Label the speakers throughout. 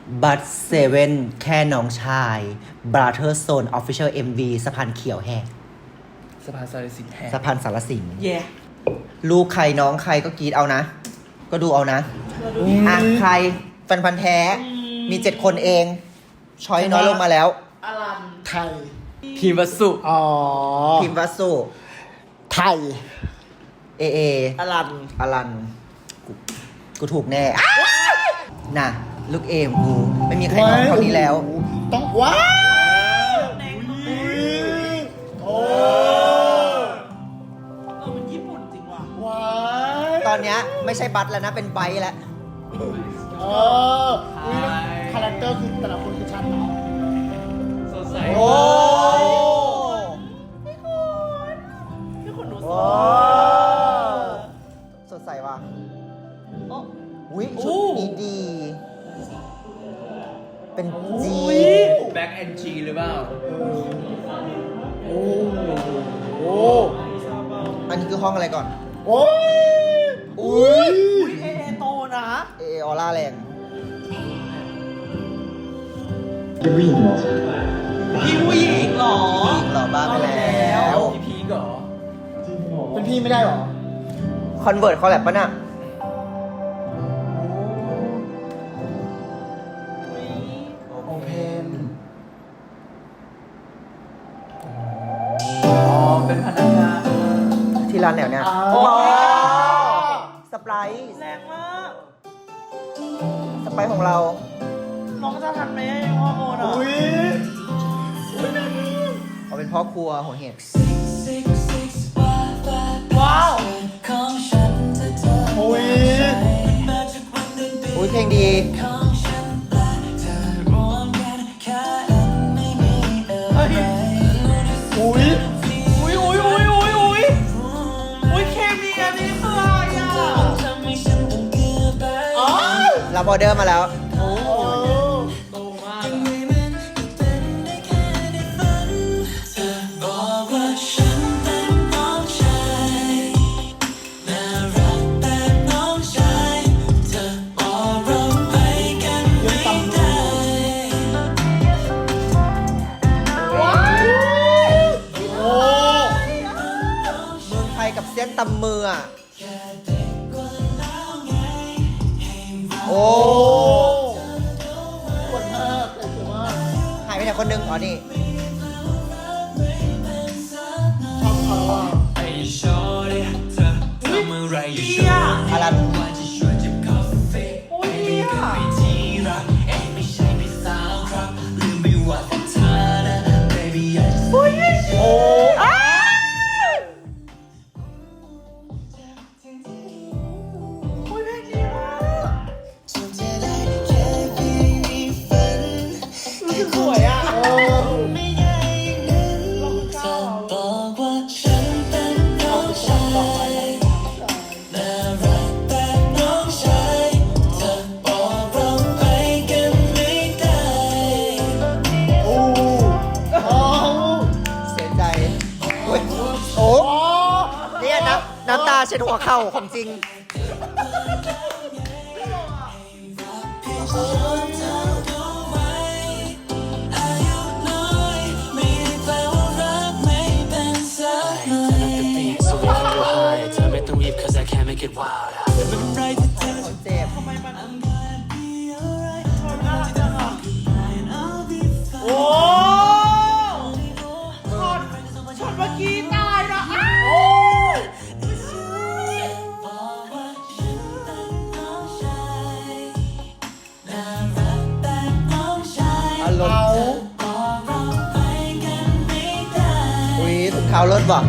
Speaker 1: บัตเซเว่นแค่น้องชายบราเธอร์โซนออฟฟิเชียลMVสะพานเขียวแหก
Speaker 2: สะพานสารสินแหก
Speaker 1: สะพานสารสิน
Speaker 3: เย่
Speaker 1: ลูกใครน้องใครก็กรีดเอานะ ก็ดูเอานะอ่ะใครแฟนพันธ์แท้มี7 คนเองช้อยน้อยลงมาแล้ว
Speaker 3: อลัน
Speaker 4: ไทย
Speaker 2: พีมวัสุ
Speaker 4: อ๋อ
Speaker 1: พิมพ์วัสสุ
Speaker 4: ไทย
Speaker 1: เอ
Speaker 3: อลัน
Speaker 1: อลันกูถูกแน่น่ะลูกเอมกูไม่มีใครน้องเท่านี้แล้ว
Speaker 4: ต้องว้าวโอ้
Speaker 3: มันญี่ปุ่นจริงว่ะ
Speaker 4: ว้าว
Speaker 1: ตอนเนี้ยไม่ใช่บัตแล้วนะเป็นไบท์แล้ว
Speaker 4: คาแรคเตอร์คือแต่ละคนคือชัดเนาะ
Speaker 2: สดใส
Speaker 1: โอ้
Speaker 3: พี่คนหนูส
Speaker 1: โอ้
Speaker 3: วย
Speaker 1: สดใสว่ะ
Speaker 3: โอ้
Speaker 1: อุ้ยชุดนี้ดี เป็นจี
Speaker 2: แบ็กแอนจีหรือเปล่า
Speaker 4: โอ้โห
Speaker 1: อันนี้คือห้องอะไรก่อน
Speaker 4: โอ้ย
Speaker 1: อุ้ย
Speaker 3: เอโตนะ
Speaker 1: เอออร่าแรง
Speaker 5: เป็นผู้หญิงเหรอ
Speaker 3: พี่ผู้หญิงเหรอ
Speaker 1: หล่อบ้าไปแล้ว
Speaker 2: พี่พีกเหรอ
Speaker 4: เป็นพี่ไม่ได้หรอ
Speaker 1: คอนเวิร์ตเขาแลบปะน่ะ
Speaker 4: โอเพน
Speaker 2: อ๋อ เป็นพนักงาน
Speaker 1: ที่ร้านแนวเนี้ย
Speaker 4: โอ้
Speaker 1: สไปร์
Speaker 3: แรงมาก
Speaker 1: สไปร์ของเรา
Speaker 3: น้องจะทันไหมยังว่าโมนะ
Speaker 4: อุ้ย
Speaker 1: เขาเป็นพ่อครัวหัวเห็ด
Speaker 3: ว้าว
Speaker 4: โอ้ย
Speaker 1: อุ้ยเพลงดี
Speaker 3: เฮ้ย
Speaker 4: อุ้ย
Speaker 3: อุ้ยอุ้ยอุ้ยอุ้ยอุ้ยอุ้ยเคมีอันนี้คืออะไรอ่ะอ๋อ
Speaker 1: รับออเดอร์มาแล้ว
Speaker 4: โอ้
Speaker 3: โตมาก
Speaker 4: ยังตำมือโอ้
Speaker 1: เมืองไทยกับเส้นตำมืออ่ะ โอ้
Speaker 4: โอ้ปวดมากปวดมาก
Speaker 1: หายไปไหนคนนึงอ๋อนี่
Speaker 4: ชอบเขาอ่ะ
Speaker 2: ไอ้ชอเดเธอทำอะไรอยู่
Speaker 3: เดีย
Speaker 1: อารัน
Speaker 2: ว่าจะชวนจิบกาแฟ
Speaker 3: โอ้ยเดีย
Speaker 2: ไม่ที่รักเองไม่ใช่พี่สาวครับลืมไม่ว่าแต่เธอนะ baby I just
Speaker 3: โอ้ย
Speaker 4: โอ้
Speaker 3: อ้าวโอ้ยเพลงดีมากรู้สึกสวยอ่ะ
Speaker 4: โอ้
Speaker 3: ลองเข้า
Speaker 6: บอกว่าฉันเป็นน้องชายน่ารักแบบน้องชายเธอบอกเราไปกันไม่ได้
Speaker 4: โอ้โอ้
Speaker 1: เสียใจโอ้ยโอ้เนี่ยน้ำตาเช็ดหัวเข่าของจริง
Speaker 6: อายุน้อยไม่ได้แปลว่ารักไม่เป็นสักหน่อย
Speaker 7: So we can go high. Tell me to weep cause I can't make it wild.
Speaker 6: เป็นไรที่เธอ
Speaker 1: คนเจ็บ
Speaker 3: ทำไมมัน
Speaker 6: be alright
Speaker 3: น่ารักจังอ่ะ
Speaker 6: I'll be fine
Speaker 3: โอ้ช็อตเมื่อกี้ตายนะอ้าว
Speaker 6: บอกว่าฉันเป็นน้องชายน่ารักแบบน้องชาย
Speaker 1: อารม
Speaker 4: เอา
Speaker 1: ณ์
Speaker 6: บอกเราไปกันไม่ได้
Speaker 1: อุ้ยถุงเท้ารถบ่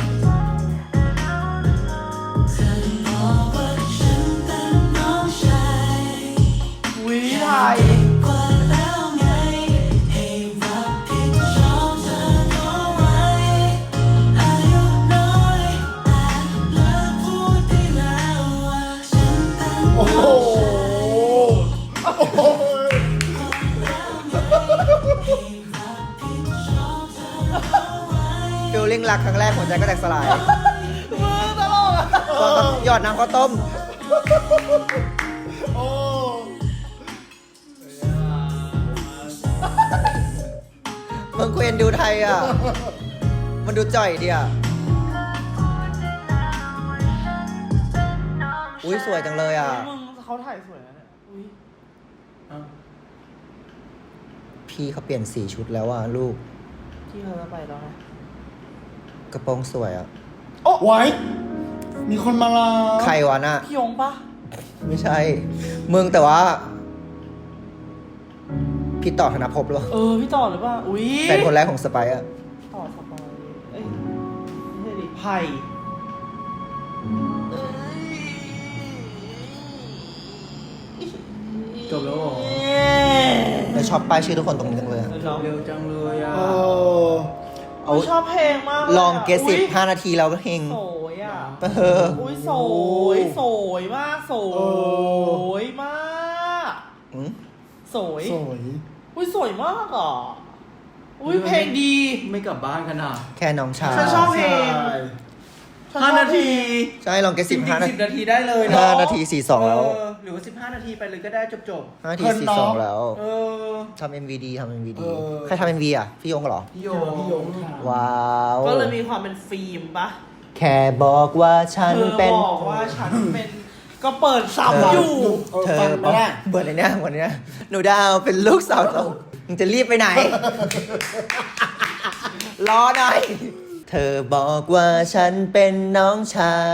Speaker 6: บอกว่าฉันเป็นน้องชาย
Speaker 3: วิไทย
Speaker 6: กว่าแล้วไงให้รับผิดชอบเธอเอาไว้อายุน้อยแต่เลิกพูดได้แล้วว่าฉันเป็น
Speaker 4: โอ้โหโอ้โห
Speaker 1: ฟิลลิ่งรักครั้งแรกหัวใจก็แตกสลาย
Speaker 3: มือตลกอ่ะ
Speaker 1: ตอนหยอดน้ำข้าวต้ม
Speaker 4: โอ้
Speaker 1: นดูไทยอ่ะ มันดูจ่อยดีอ่ะ อุ้ยสวยจังเลยอ่ะ
Speaker 3: มึงเขาถ่ายสวยนะเนี่ยอุ้ย
Speaker 1: พี่เขาเปลี่ยนสีชุดแล้วอ่ะลูก
Speaker 3: ที่เขาจะไปแล้วนะ
Speaker 1: กระโปรงสวยอ่ะ
Speaker 4: ไว้มีคนมาลา
Speaker 1: ใครวะน่ะ
Speaker 3: พี่ยงปะ
Speaker 1: ไม่ใช่ มึงแต่ว่า พี่ต่อธนภพหรือเปล่า
Speaker 3: พี่ต่อหรือเปล่าอุ้ย
Speaker 1: แฟนคนแรกของสไปซ์อ่ะ
Speaker 3: ต่อสปอยเอ้ยไม่ใช่ดิไผ่
Speaker 8: จบแล้วเหรอ
Speaker 1: แล้วชอบป้ายชื่อทุกคนตรงนี้จังเลยอะ
Speaker 8: เร็วจังเลยอ่ะ
Speaker 4: เออ
Speaker 3: เอาชอบเพลงมากยะ
Speaker 1: ลองเกสิบ
Speaker 3: อุ๊ย
Speaker 1: 5 นาทีเราก็เฮง
Speaker 3: สวยอ่ะ
Speaker 1: เออ
Speaker 3: อุ้ยสวยสวยมากสวยมาก
Speaker 1: อืม
Speaker 3: สวย
Speaker 4: สวย
Speaker 3: อุ้ยสวยมากอ่ะอุ้ยเพลงดี
Speaker 8: ไม่กลับบ้านกันอ่ะ
Speaker 1: แค่น้องชาย
Speaker 3: ฉันชอบเพลง
Speaker 8: 5 นาที
Speaker 1: ใช่ลองเกสิบ
Speaker 8: จริง
Speaker 1: 5
Speaker 8: ๆ
Speaker 1: นา
Speaker 8: 10 นาทีได้เลยเนาะ
Speaker 1: 5 นาที 42 แล้ว
Speaker 8: หรือว่า15 นาทีไปเลยก็ได้จบ
Speaker 1: 5 นาที 42 แล้ว
Speaker 8: ๆเออ
Speaker 1: ทำ MV ดีทำ MV ดี
Speaker 4: เออ
Speaker 1: ใครทำ MV อ่ะ พี่ยงเหรอ
Speaker 8: พี่โย
Speaker 4: พี่ยงค่ะ
Speaker 1: ว้าว
Speaker 3: ก็เลยมีความเป็นฟิล์มปะ
Speaker 1: แค่บอกว่าฉัน
Speaker 3: เธอ
Speaker 1: เป็น
Speaker 3: บอกว่าฉันเป็น ก็เปิดซ้ำอยู่
Speaker 1: เธอ
Speaker 4: ฟังไหมล่ะ
Speaker 1: เบิร์ดในเนี้ยวันเนี้ยหนูดาวเป็นลูกสาวเรามึงจะรีบไปไหน รอหน่อย เธอบอกว่าฉันเป็นน้องชาย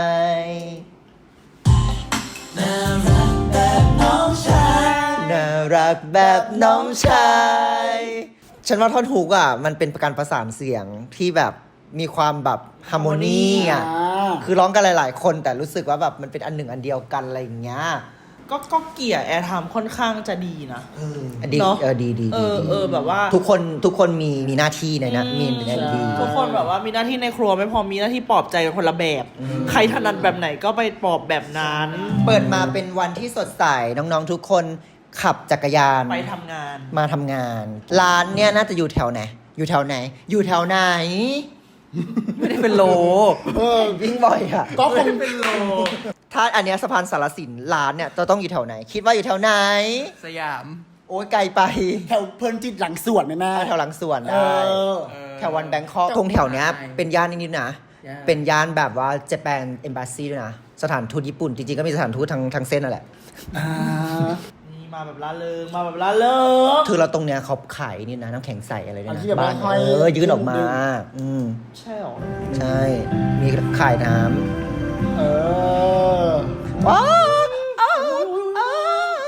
Speaker 6: น่ารักแบบน้องชาย
Speaker 1: น่ารักแบบน้องชาย ฉันว่าท่อนฮุกอ่ะ มันเป็นการประสานเสียงที่แบบมีความแบบฮาร์โมนีอ่ะ คือร้องกันหลายๆ คนแต่รู้สึกว่าแบบมันเป็นอันหนึ่งอันเดียวกันอะไรอย่างเงี้ย
Speaker 3: ก็เกี่ยแอร์ไทม์ค่อนข้างจะดีนะ
Speaker 1: ดี
Speaker 3: เนอะ
Speaker 1: ดี
Speaker 3: แบบว่า
Speaker 1: ทุกคนมีหน้าที่ในนั้นมีในนั้นดี
Speaker 3: ทุกคนแบบว่ามีหน้าที่ในครัวไม่พอมีหน้าที่ปลอบใจกันคนละแบบ ใครถนัดแบบไหนก็ไปปลอบแบบนั้น
Speaker 1: เปิดมาเป็นวันที่สดใสน้องๆทุกคนขับจักรยาน
Speaker 3: ไปทำงาน
Speaker 1: มาทำงาน ร้านเนี่ยน่าจะอยู่แถวไหน อยู่แถวไหน อยู่แถวไหน ไม่ได้เป็นโลวิ่งบ่อยอ่ะ
Speaker 4: ก็คง
Speaker 8: เป็นโล
Speaker 1: ถ้าอันเนี้ยสะพานสารสินร้านเนี่ยจะต้องอยู่แถวไหน คิดว่าอยู่แถวไหน
Speaker 8: สยาม
Speaker 1: โอ้ยไกลไป
Speaker 4: แถวเพลินจิตหลังสวนแม่
Speaker 1: แถวหลังสวน
Speaker 4: เอ
Speaker 1: ได้
Speaker 4: อ
Speaker 1: แถววันแบงคอกตรงแถวเนี้ยเป็นย่านนิดๆนะ
Speaker 8: ย่าน
Speaker 1: เป็นย่านแบบว่าเจแปนเอมบาซีด้วยนะ สถานทูตญี่ปุ่น จริงๆก็มีสถานทูตทั้งเส้นนั่นแหละ
Speaker 3: นี่มาแบบละเริงมาแบบละเริง
Speaker 1: คือเราตรงเนี้ยเขาขายนี่นะน้ำแข็งใสอะไรเนี่ย
Speaker 4: อัน
Speaker 1: นะ
Speaker 4: ที่แบบ
Speaker 1: บ้าน
Speaker 4: ห้อย
Speaker 1: ยื่นออกมา
Speaker 4: ดึง
Speaker 1: อืม
Speaker 3: ใช่หรอ
Speaker 1: ใช่ มีขายน้
Speaker 4: เออ
Speaker 1: ำว้าวอ้าวอ้าว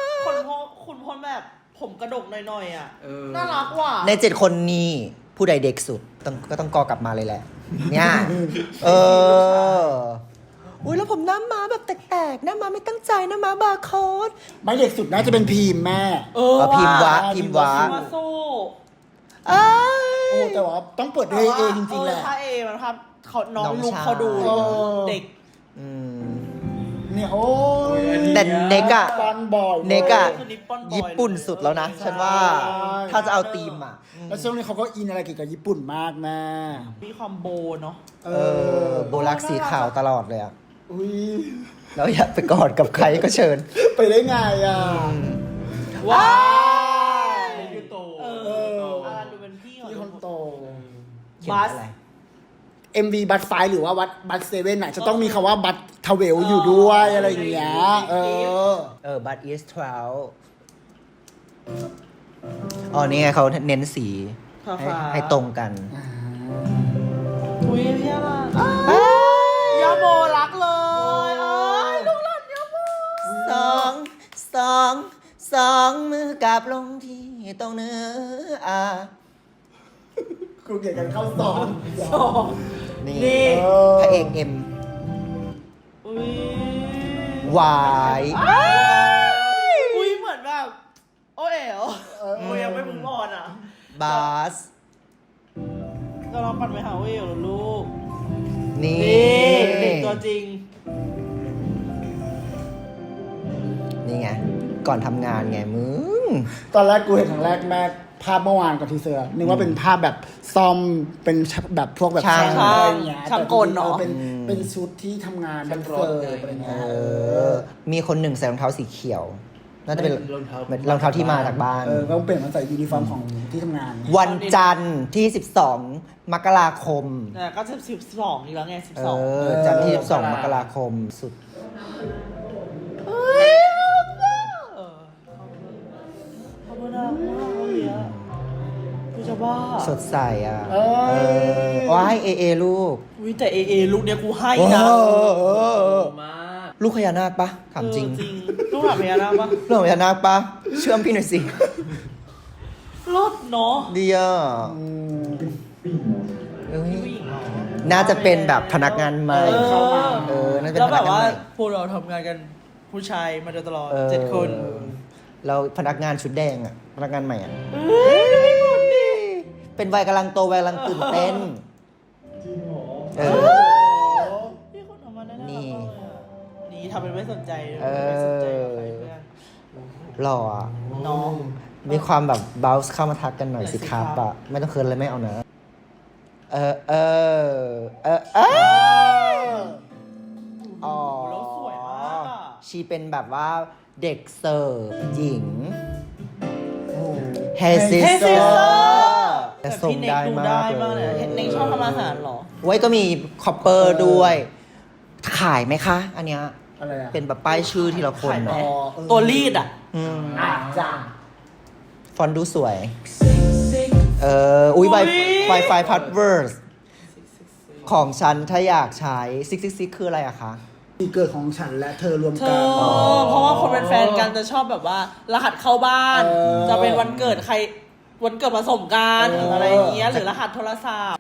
Speaker 3: คุณพลแบบผมกระดกหน่อยๆอ่ะ
Speaker 8: เออ
Speaker 3: น่ารักว่ะ
Speaker 1: ใน7 คนนี้ผู้ใดเด็กสุดก็ต้องกอกลับมาเลยแหละ เนี่ย เออ อุ้ยแล้วผมหน้าม้าแบบแตกๆหน้าม้าไม่ตั้งใจหน้าม้าบาร์โค้ด
Speaker 4: ไม่เด็กสุดน่าจะเป็นพีมแม่
Speaker 1: เอาพิมพ์วะพิมพ์วะ
Speaker 3: มาสู้
Speaker 1: เอ้ย
Speaker 4: โอ้แต่ว่าต้องเปิดด้วยเอจริงๆแหละ
Speaker 3: ถ้าเอมันภาพเขาน้อง
Speaker 1: น้อง
Speaker 3: ลุก
Speaker 1: ชาย
Speaker 3: เขาดู
Speaker 4: เออ
Speaker 3: เด็ก
Speaker 1: อืม
Speaker 4: เนี่ยโอ้ย
Speaker 1: แต่เน็กอะ
Speaker 4: ปันบ่อย
Speaker 1: เน็กอะ
Speaker 3: คือนิปปอนบอย
Speaker 1: ญี่ปุ่นสุดแล้วนะ ฉันว่า ถ้าจะเอาธีมอะ
Speaker 4: แล้วช่วงนี้เขาก็อินอะไรเกี่ยวกับญี่ปุ่นมากแม่
Speaker 3: มีความโบเนาะ
Speaker 4: เอ
Speaker 1: เออ โบลักสีขาวตลอดเลยอะ
Speaker 4: อุ้ย
Speaker 1: แล้วอยากไปกอดกับใครก็เชิญ
Speaker 4: ไปได้ไงอ่ะ
Speaker 3: ว้าย
Speaker 8: ยูโต
Speaker 3: เอออาดูเป็นพี่
Speaker 4: พี่คนโต
Speaker 1: เขียน
Speaker 3: บัส
Speaker 1: อะไร
Speaker 4: MV บัตไฟหรือว่าบัตเซเว่นน่ะจะต้องมีคำว่าบัตทเวลอยู่ด้วยอะไรอย่างเงี้ย
Speaker 1: but is 12อ๋อ นี่ไงเขาเน้นสีให้ตรงกัน
Speaker 3: อุ้ยพี่อะไรยาโมรักเลยลูกหลานยาโม
Speaker 1: สองมือกับลงที่ตรงเนื้อ
Speaker 4: ครูเกี่ยวกันเข้าสอน
Speaker 3: สอง
Speaker 1: นี่
Speaker 3: นี่
Speaker 1: พระเอกเอ็ม
Speaker 3: อุ้ยว
Speaker 1: าย
Speaker 3: อุ้ยเหมือนแบบโอเอ๋วอุ้ยยังไม่มึงบอลอ่ะ
Speaker 1: บาส
Speaker 3: ก็ลองปั่นไปหาโอเอ๋วลูก
Speaker 1: นี่
Speaker 3: นี่เด็กตัวจริง
Speaker 1: นี่ไง ก่อนทำงานไงมึง
Speaker 4: ตอนแรกกูเห็นครั้งแรกแม่ภาพเมื่อวานกับทีเซอร์นึกว่าเป็นภาพแบบซ่อมเป็นแบบพวกแบบ
Speaker 1: ช่าง
Speaker 4: อะไรอย่างเงี้ย
Speaker 3: ช่างกลเนอะ
Speaker 4: เป็นชุดที่ทำงานเป็นเฟิร์มอะไร
Speaker 1: เอ
Speaker 4: เงี้ย
Speaker 1: อ มีคนหนึ่งใส่รองเท้าสีเขียวน่าจะเป็น
Speaker 8: รองเท้า
Speaker 1: รองเท้าที่มาจากบ้าน
Speaker 4: ก็ต้องเปลี่ยนมาใส่ยูนิฟอร์มของที่ทำงาน
Speaker 1: วันจันทร์ที่ 12 มกราคม
Speaker 3: แต่ก็จะ12อีกแล้วไง
Speaker 1: เอ
Speaker 3: 12
Speaker 1: อ จันทร์ที่ 12 มกราคมสุด
Speaker 3: เขาไม่น่ามากเลยอ่ะกูจะบ้า
Speaker 1: สดใสอ่ะ
Speaker 4: เอ้ย
Speaker 1: ว้ายเอลูก
Speaker 3: อุ้ยแต่เอลูกเนี้ยกูให้นะ
Speaker 8: มาก
Speaker 1: ลูกพญานาคปะถามจริง
Speaker 3: จริงลูกหลานพญานาคปะ
Speaker 1: ลูกพญานาคปะเชื่อมพี่หน่อยสิ
Speaker 3: รถเนาะ
Speaker 1: ดีอ่ะเอ้ย
Speaker 3: ผู้หญิงเหรอ
Speaker 1: น่าจะเป็นแบบพนักงานใหม่
Speaker 4: เข้ามา
Speaker 1: น่าจะเป็น
Speaker 3: แล้ว
Speaker 1: พ
Speaker 3: แบ
Speaker 1: นัก
Speaker 3: บ
Speaker 1: งาน
Speaker 3: ว่า
Speaker 1: ใหม่
Speaker 3: พวกเราทำงานกันผู้ชายมาโดยตลอด
Speaker 1: ออ
Speaker 3: 7 คน
Speaker 1: เราพนักงานชุดแดงอ่ะ พนักงานใหม่อ่ะ
Speaker 3: เฮ้ย
Speaker 1: เป็นวัยกำลังโตวัยกำลังตื่นเต้นเออ
Speaker 3: พี่คนทำมาได้
Speaker 1: นี่
Speaker 3: นี่ทำเป็นไม่สนใจ
Speaker 1: เออ
Speaker 3: ไม่สนใจใครเพื่อน
Speaker 1: หล่ออ่ะ
Speaker 3: น้อง
Speaker 1: มีความแบบบ o ลส์เข้ามาทักกันหน่อยสิครับอ่ะ ไม่ต้องเคินเลยไม่เอานะอ๋อ
Speaker 3: แล้วสวยมากอ่ะ
Speaker 1: ชีเป็นแบบว่าเด็กเสิร์ฟหญิงเฮซิส
Speaker 3: Hey
Speaker 1: เตอ
Speaker 3: Sister
Speaker 1: ร์แต่
Speaker 3: แต่
Speaker 1: ส่ง
Speaker 3: พี่เน็ก
Speaker 1: ได้
Speaker 3: ดู
Speaker 1: มา
Speaker 3: ได้
Speaker 1: ก
Speaker 3: มากเลย
Speaker 1: เลย
Speaker 3: เน็กชอบทำอาหารเหรอ
Speaker 1: ไว้ก็มีคอปเปอร์ด้วย ขายไหมคะ อันเนี้ย
Speaker 4: อะไรอ่ะ
Speaker 1: เป็นแบบป้ายชื่อทีละคน
Speaker 3: ขายไหม
Speaker 1: เนาะ
Speaker 3: ตัวรีดอ่ะ
Speaker 1: อืม
Speaker 4: จ้า
Speaker 1: ฟอนต์ดูสวย อุ้ยไวไฟพัดเวิร์สของฉันถ้าอยากใช้666คืออะไรอะคะ
Speaker 4: ปีเกิดของฉันและเธอรวม
Speaker 3: เธ
Speaker 4: กัน
Speaker 3: อเพราะว่าคนเป็นแฟนกันจะชอบแบบว่า รหัสเข้าบ้าน
Speaker 4: เออ
Speaker 3: จะเป็นวันเกิดใคร วันเกิดผสมกันหรืออะไรอย่างเงี้ยหรือรหัสโทรศัพท์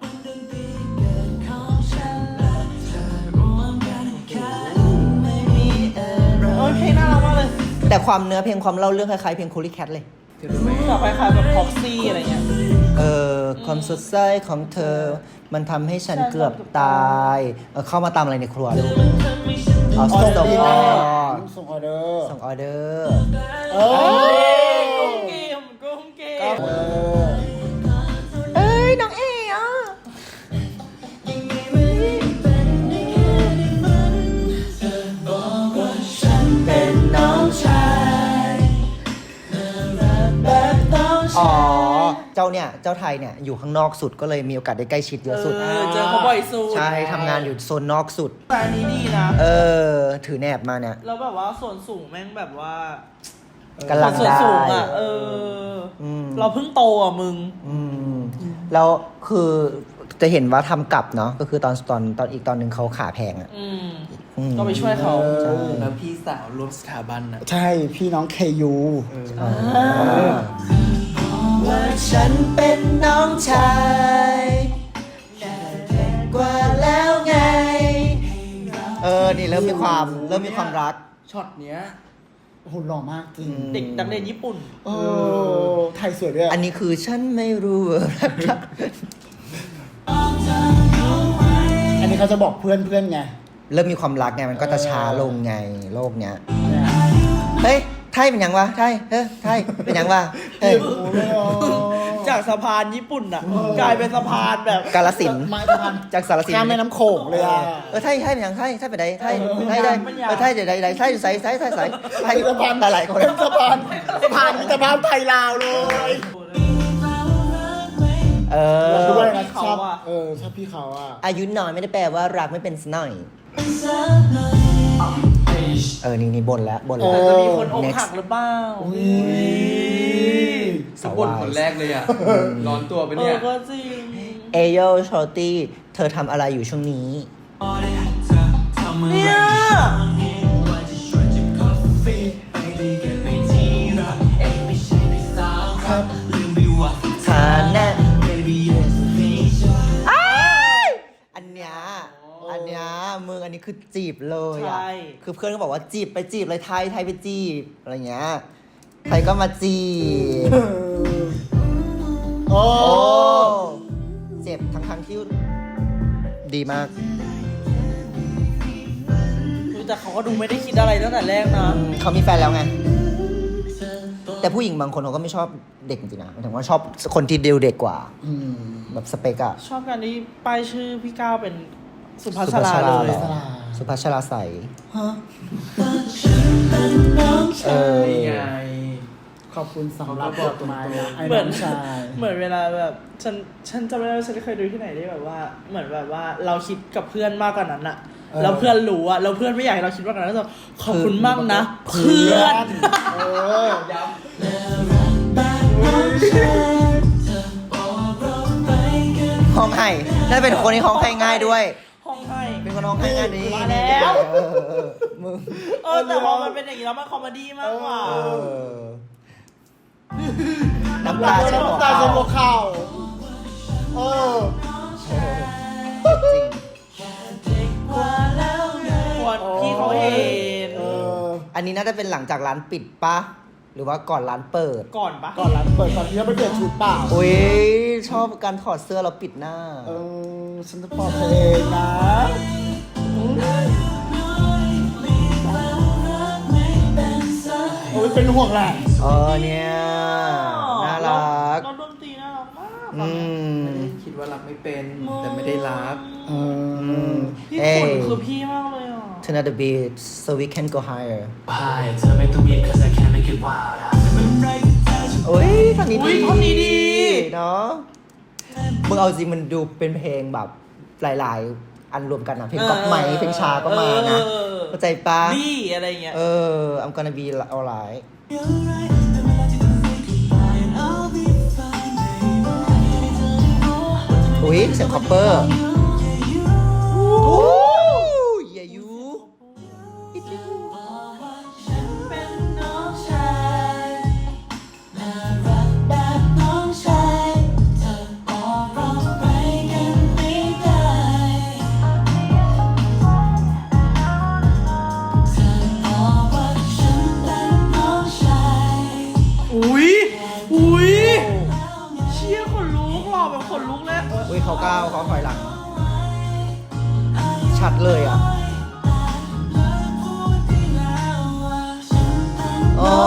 Speaker 3: โอ้ยเพลงน่ารักมากเลย
Speaker 1: แต่ความเนื้อเพลงความเล่าเรื่องคล้ายๆเพลงคูลี่แคทเลย
Speaker 3: แบบคล้ายๆแบบพ็อกซี่อะไรเงี้ย
Speaker 1: ความสดใสของเธอ มันทำให้ฉันเกือบตาย เข้ามาตามอะไรในครัวลูกเอา
Speaker 4: ส่ง
Speaker 1: ส่ง
Speaker 4: ที่
Speaker 1: อ
Speaker 4: ไหน
Speaker 1: อ
Speaker 4: ส่งออเดอร์
Speaker 1: ส่งออเดอร์
Speaker 4: เออ
Speaker 3: กุ้งเกมกุ้งเกม
Speaker 4: เออ
Speaker 1: เอ้ย น้องเอ๋อ่ะ
Speaker 6: เป็นน้องชาย
Speaker 1: อ๋อ เจ้าเนี่ย เจ้าไทยเนี่ย อยู่ข้างนอกสุดก็เลยมีโอกาสได้ใกล้ชิดเยอะสุด
Speaker 3: เจอเขาบ่อยสุด
Speaker 1: ใช่ทำงานอยู่โซนนอกสุด
Speaker 3: แต่อันนี้ดีนะ
Speaker 1: ถือแหนบมาเนี่ย
Speaker 3: แล้วแบบว่าส่วนสูงแม่งแบบว่า
Speaker 1: กำลัง
Speaker 3: ส่วน
Speaker 1: ได้
Speaker 3: สูงอ่ะ
Speaker 1: ม
Speaker 3: เราเพิ่งโตอ่ะมึง
Speaker 1: แล้วคือจะเห็นว่าทำกลับเนาะ ก็คือตอนอีกตอนหนึ่งเขาขาแพงอ่ะ อืม
Speaker 3: ก็ไปช่วยเขา
Speaker 1: ใช่
Speaker 8: แล้วพี่สาวรวมสถาบันอ่ะ
Speaker 4: ใช่พี่น้องเคยู
Speaker 6: ว่าฉันเป็นน้องชายกว่าแล้วไง
Speaker 1: นี่เริ่มมีความรัก
Speaker 8: ช็อตเนี้ย
Speaker 4: โอ้โหหล่อมากจริง
Speaker 3: เด็กนักเรียนญี่ปุ่น
Speaker 4: เออไทยสวยด้วย
Speaker 1: อันนี้คือฉันไม่รู้ว่ารัก
Speaker 4: อันนี้เขาจะบอกเพื่อนไง
Speaker 1: เริ่มมีความรักไงมันก็จะช้าลงไงโลกเนี้ย เฮ้ย ไทยเป็นยังวะ ไทยไทยเป็นยังวะเฮ้ย
Speaker 3: จากสะพานญี่ปุ่นอ่ะ กลายเป็นสะพานแบบ
Speaker 1: กาลสินธุ์
Speaker 4: ไม้สะพาน
Speaker 1: จากสารสิน
Speaker 4: ข้าม
Speaker 1: ธุ์
Speaker 4: แม่น้ำโขงเลยอ่ะ
Speaker 1: ไทยเป็นยังไทยไปไหนไทยได้ไทยเดี๋ยวใดไทยใส่ไทย
Speaker 4: เป็นสะพาน
Speaker 1: หลายคน
Speaker 4: เป็นสะพานมิตรภาพไทยลาวเลย ด้วยนะชอบชอบพี่เขาอ่ะ
Speaker 1: อายุน้อยไม่ได้แปลว่ารักไม่เป็นสกหน่อย นี่บ่นแล้ว
Speaker 3: จะมีคนอกหักหรือเปล่า
Speaker 1: สาว
Speaker 8: คน
Speaker 1: วาย
Speaker 8: คนแรกเลยอ่ะ ร้อนตัวไปเนี่ย
Speaker 3: ก็จริง
Speaker 1: เอโยโชตี้เธอทำอะไรอยู่ช่วงนี้
Speaker 3: เนี่ย
Speaker 1: ฐานะอันเนี้ยมึงอันนี้คือจีบเลยอ่ะ
Speaker 3: ใช่
Speaker 1: คือเพื่อนก็บอกว่าจีบไปจีบเลยไทยไปจีบอะไรเงี้ยไทยก็มาจีบ
Speaker 4: โอ้
Speaker 1: โอ้เจ็บทั้งที่ดีมาก
Speaker 3: แต่เขาก็ดูไม่ได้คิดอะไรตั้งแต่แรกนะ
Speaker 1: เขามีแฟนแล้วไง แต่ผู้หญิงบางคนเขาก็ไม่ชอบเด็กจริงๆนะหมายถึงว่าชอบคนที่เด็กกว่า แบบสเปกอะ
Speaker 3: ชอบการที่ป้ายชื่อพี่ก้าวเป็นสุภาษาราเลย
Speaker 1: สุภาชราใส
Speaker 4: ฮะ
Speaker 6: ฉันเป็นน้อง
Speaker 4: ชาย
Speaker 8: นี่ไง
Speaker 4: ขอบคุณสำหรับดอกไม้นะไอ้
Speaker 3: เหมื
Speaker 4: น้
Speaker 3: อน
Speaker 4: องชาย
Speaker 3: เหมือนเวลาแบบฉันจำไม่ได้ว่าฉันเคยดูที่ไหนได้แบบว่า เหมือนแบบว่าเราคิดกับเพื่อนมากกว่านั้นอะแล้วเพื่อนรู้อะแล้วเพื่อนไม่อยากให้เราคิดมากกว่านั้นก็จะขอบคุณมากนะ เพื่อน
Speaker 4: เออ
Speaker 1: ห้องไห้น่าจะเป็นคนที่ห้องไห้ง่ายด้วย
Speaker 3: ห้องให้
Speaker 1: เป็นคนห้องไห้ง่ายดี
Speaker 3: มาแล้ว
Speaker 1: มึง
Speaker 3: แต่พอมันเป็นอย่างนี้แล้วมันคอมเมดี้มากกว่า
Speaker 1: น้ำตาจะหัว
Speaker 4: น้ำตาจะหัว
Speaker 1: เข่า
Speaker 4: เข่าเออ
Speaker 1: จริง
Speaker 3: ควรพี่เขาเห็น
Speaker 4: เออ
Speaker 1: อันนี้น่าจะเป็นหลังจากร้านปิดปะหรือว่าก่อนร้านเปิด
Speaker 3: ก่อนปะ
Speaker 4: ก่อนร้านเปิดก่อนที่จะไปเปลี่ยนชุดเปล่า
Speaker 1: อุ้ยชอบการถอดเสื้อแล้วปิดหน้า
Speaker 4: เออฉันจะปลอดเพลงนะโอ้ยเป็นห่วงแหละ
Speaker 1: เนี่ย น่ารัก
Speaker 3: แล้วดนตรีน่ารักมาก
Speaker 1: อืม
Speaker 8: คิดว่ารักไม่เป็น แต่ไม่ได้รัก
Speaker 4: เออ
Speaker 3: พี่
Speaker 1: เอ้
Speaker 3: ขุน
Speaker 1: ย
Speaker 3: คือพี่มากเลยอ่ะ
Speaker 1: Turn up the beat so we can go higher
Speaker 7: Why? เธอไม่ต้องรีบ cause I can't make it wild
Speaker 1: โอ้ยท่อนนี้
Speaker 3: อุ๊
Speaker 1: ดี
Speaker 3: ยท่อนนี้ดี
Speaker 1: เนาะมึงเอาจริงมันดูเป็นเพลงแบบหลายๆ อันรวมกันอะเพลงก๊อปไหมเพลงชาก็มานะเข้าใจปะ
Speaker 3: บี้อะไรอย่างเงี้ย
Speaker 1: I'm gonna be alright อุ้ยเสียงคอปเปอร์โอ้ยอย่ายู
Speaker 6: เป็นน้องชายน่ารักแบบน้องชายเธอบอกเราไปกันไม่ได้เธอบอกว่าฉันเป็นน้องชาย
Speaker 3: อุ้ยเชี่ยขนลุกหล่อแบบขนลุกเลย
Speaker 1: อุ้ยเขาก้าวเขาถอยหลัง ชัดเลยอ่ะอ๋อ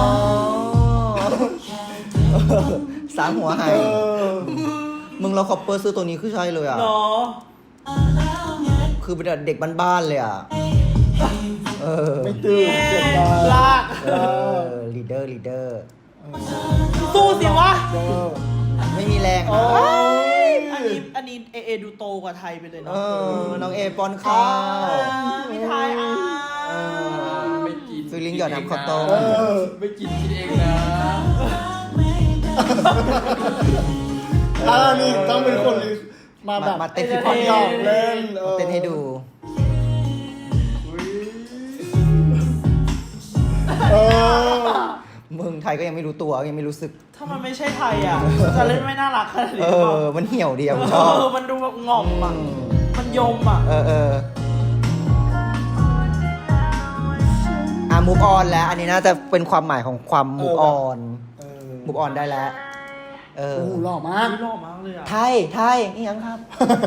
Speaker 1: สามหัวหายมึงเราคอปเปอร์ซื้อตัวนี้คือใช่เลยอ่ะ
Speaker 3: เนาะ
Speaker 1: คือเป็นเด็กบ้านๆเลยอ่ะ
Speaker 4: ไม่ตื่นเสียงดัง
Speaker 3: ลาก
Speaker 1: ลีดเดอร์
Speaker 3: สู้สิวะ
Speaker 1: ไม่มีแรงนะ
Speaker 3: อันนี้เอดูโตกว่าไทยไปเลย
Speaker 1: เอ
Speaker 3: เนาะ
Speaker 1: น้องเอป้อนข้าว
Speaker 3: พี่ไทย
Speaker 8: ไม่กิน
Speaker 1: ฟิลลิ่งหยอดน้ำข้าวต้ม
Speaker 8: ไม่กินกินเองนะ
Speaker 4: นี่ต้องเป็นคนมาแบบ
Speaker 1: มาเต้น
Speaker 4: ที่
Speaker 1: ที่
Speaker 4: พ
Speaker 1: พ
Speaker 4: อ
Speaker 1: อ
Speaker 4: ด
Speaker 1: ด
Speaker 4: หยอกเล่น
Speaker 1: เต้นให้ดู
Speaker 4: เออ
Speaker 1: มึงไทยก็ยังไม่รู้ตัวยังไม่รู้สึก
Speaker 3: ถ้ามันไม่ใช่ไทยอ่ะ จะเล่นไม่น่ารักขนาดนี้
Speaker 1: มันเหี่ยวเดียวชอบ
Speaker 3: มันดูแบบง่อมอ่ะ มันยมอ่ะ
Speaker 1: มูฟออนแล้ว อันนี้น่าจะเป็นความหมายของความมูฟออน
Speaker 4: เออ
Speaker 1: มูฟออนได้แล้ว
Speaker 4: โอ้โหหล่อมาก
Speaker 3: หล่อมากเลยอ่ะ
Speaker 1: ไทยนี่ยังครับ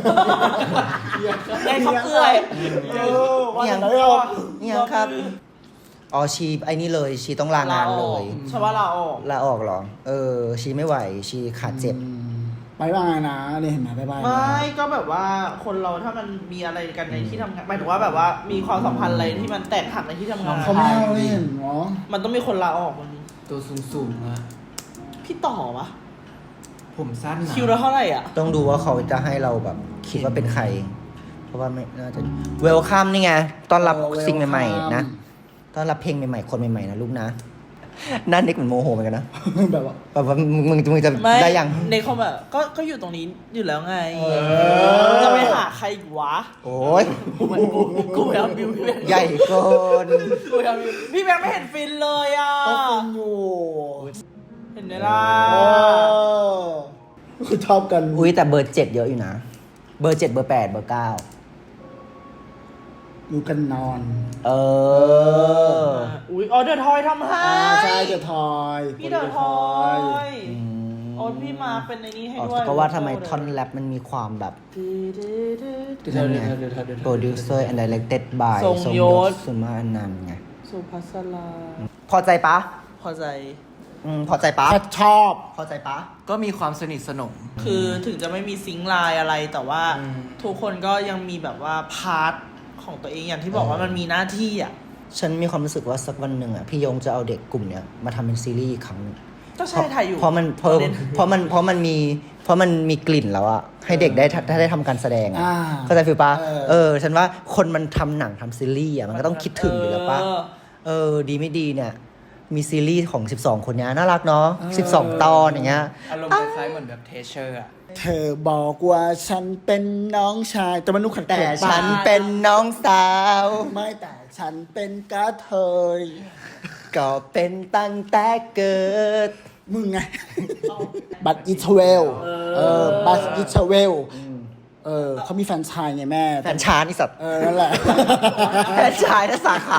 Speaker 3: ได้ข้าวเกลือย
Speaker 4: ว่า
Speaker 1: นี่
Speaker 4: อ
Speaker 1: ยั
Speaker 4: ย่าง งไรอ่ะ
Speaker 1: นี่ยังครับ อ๋อชีไอ้นี่เลย ชีต้องลางานเลย
Speaker 3: ใช่ว่าลาออก
Speaker 1: ลาออกเหรอ ชีไม่ไหว ชีขาดเจ็บ
Speaker 4: บายบายนะนี่เห็นไหมบายบายนะ
Speaker 3: ไม่ก็แบบว่าคนเราถ้ามันมีอะไรกันในที่ทำงานหมายถึงว่าแบบว่ามีความสัมพันธ์อะไรที่มันแตกหักในที่ทำงาน
Speaker 4: เขาไม่เอาเล่นเหรอ
Speaker 3: มันต้องมีคนลาออกมัน
Speaker 8: ตัวสูงๆอะ
Speaker 3: พี่ต่อวะ
Speaker 8: ผมสั้นนะ
Speaker 3: คิวละเท่าไหร่อ่ะ
Speaker 1: ต้องดูว่าเขาจะให้เราแบบคิดว่าเป็นใคร เพราะว่าไม่น่าจะเวลคัมนี่ไงต้อนรับสิ่งใหม่ๆนะต้อนรับเพลงใหม่ๆคนใหม่ๆนะลูกนะหน้าเน็กเหมือนโมโหเหมือนกันนะ
Speaker 4: แบบว่า
Speaker 1: แบบว่ามึงจะ
Speaker 3: ไม่
Speaker 1: ได้ยัง
Speaker 3: ในคอมอ่ะก็อยู่ตรงนี้อยู่แล้วไง จะไปหาใครอีกวะ
Speaker 1: โอ้ย
Speaker 3: กูพยายามบิวพี่แบงค์
Speaker 1: ใหญ่เกิน
Speaker 3: กูพยายามบิวพี่แบงค์ไม่เห็นฟินเลยอ่ะ
Speaker 4: ก็ฟินอยู่
Speaker 3: เห็นไหมล่ะ
Speaker 4: คือชอบกัน
Speaker 1: อุ้ยแต่เบอร์ 7 เยอะอยู่นะ เบอร์ 7 เบอร์ 8 เบอร์ 9
Speaker 4: อยู่กันนอน
Speaker 3: อุ้ยเดอะทอยทำให้
Speaker 4: ใช่เดอะทอย
Speaker 3: พี่เดอะทอยโอ้พี่มาเป็นในนี้ให้ด้วย
Speaker 1: ก็ว่าทำไมท่อนแรปมันมีความแบบ
Speaker 8: เดี๋ยว
Speaker 1: producer and directed by
Speaker 3: ทรงยศ
Speaker 1: สุมาอนันต์ไง
Speaker 3: สุภัสรา
Speaker 1: พอใจปะ
Speaker 3: พอใจ
Speaker 1: พอใจปะ
Speaker 4: แพทชอบ
Speaker 1: พอใจปะ
Speaker 8: ก็มีความสนิทสนม
Speaker 3: คือถึงจะไม่มีซิงค์ไลน์อะไรแต่ว่า ทุกคนก็ยังมีแบบว่าพาร์ทของตัวเองอย่างที่บอกว่ามันมีหน้าที่อ่ะ
Speaker 1: ฉันมีความรู้สึกว่าสักวันหนึ่งอ่ะพี่ยงจะเอาเด็กกลุ่มเนี้ยมาทำเป็นซีรีส์อีกครั้งหนึ่ง
Speaker 3: ก็ใช่ถ่ายอยู่
Speaker 1: เพราะมันมีกลิ่นแล้วอะให้เด็กได้ทำการแสดงอะ
Speaker 4: อ่า
Speaker 1: เข้าใจฟิลปะ
Speaker 4: เออ
Speaker 1: ฉันว่าคนมันทำหนังทำซีรีส์อะมันก็ต้องคิดถึงอยู่แล้วปะดีไม่ดีเนี่ย มีซีรีส์ของ 12 คนเนี้ยน่ารักเนาะ12 ตอนอย่างเงี้ย
Speaker 8: อารมณ์คล้ายๆเหมือนแบบเทเชอร์อะ
Speaker 4: เธอบอกว่าฉันเป็นน้องชายแต่มันนุขัด
Speaker 1: แต่
Speaker 4: เขินปะ
Speaker 1: ฉันเป็นน้องสาว
Speaker 4: ไม่แต่ฉันเป็นกระเทย
Speaker 1: ก็เป็นตั้งแต่เกิด
Speaker 4: มึงไง บัตอิทเวลบัตอิทเวลเขามีแฟรนไชายไงแม่
Speaker 1: แฟนชานอีสัตว์
Speaker 4: นั่นแหละ
Speaker 1: แฟนชายนะสาขา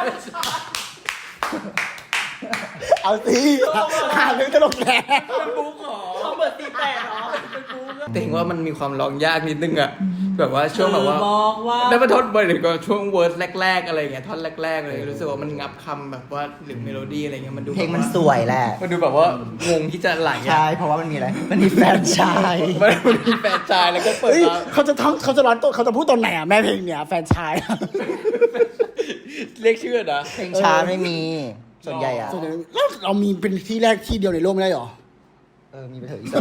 Speaker 4: เอาสิหาเรื่องตลกแหละ
Speaker 3: เขาเปิดตีแปดเหรอเป็นกูก็
Speaker 8: แต่เห็นว่ามันมีความร้องยากนิดนึงอะแบบว่าช่วงแบบว่า
Speaker 3: บอกว่า
Speaker 8: ได้มาทดบ่อยหรือก็ช่วงเวิร์สแรกๆอะไรอย่างเงี้ยท่อนแรกๆเลยรู้สึกว่ามันงับคำแบบว่าหรือเมโลดี้อะไรเงี้ยมันดู
Speaker 1: เพลงมันสวยแหละ
Speaker 8: มันดูแบบว่างงที่จะไหลอะ
Speaker 1: ใช่เพราะว่ามันมีอะไร มันมีแฟนชาย
Speaker 8: มันมีแฟนชายแล้วก็เปิด
Speaker 4: เฮ้ย
Speaker 8: มา
Speaker 4: เขาจะร้อนตัวเขาจะพูดตอนไหนอ่ะแม่เพลงเนี่ยแฟรนไชาย
Speaker 8: เรียกชื่อนะ
Speaker 1: เพลงชาไม่มี ส่วนใหญ่อะ
Speaker 4: ส่วนใหญ่แล้วเรามีเป็นที่แรกที่เดียวในโลกไม่ได้หรอ
Speaker 1: มีไปเถอะอีกสัก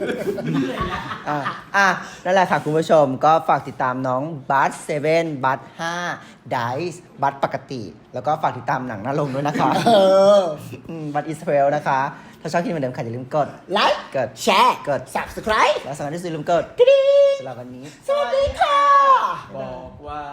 Speaker 1: นั่นแหละค่ะคุณผู้ชมก็ฝากติดตามน้องบัส7บัส5ไดส์บัสปกติ แล้วก็ฝากติดตามหนังหน้าลงด้วยนะคะบัสอิสราเอลนะคะ ถ้าชอบคลิปเหมือนเดิมค่ะอย่าลืมกด
Speaker 4: ไลค์
Speaker 1: กด
Speaker 4: แชร์
Speaker 1: กด
Speaker 4: subscribe
Speaker 1: และสำคัญที่สุดอย่าลืมกดกระดิ่งสำหรับวันนี้
Speaker 4: สวัสดีค่ะ
Speaker 8: บอกว่า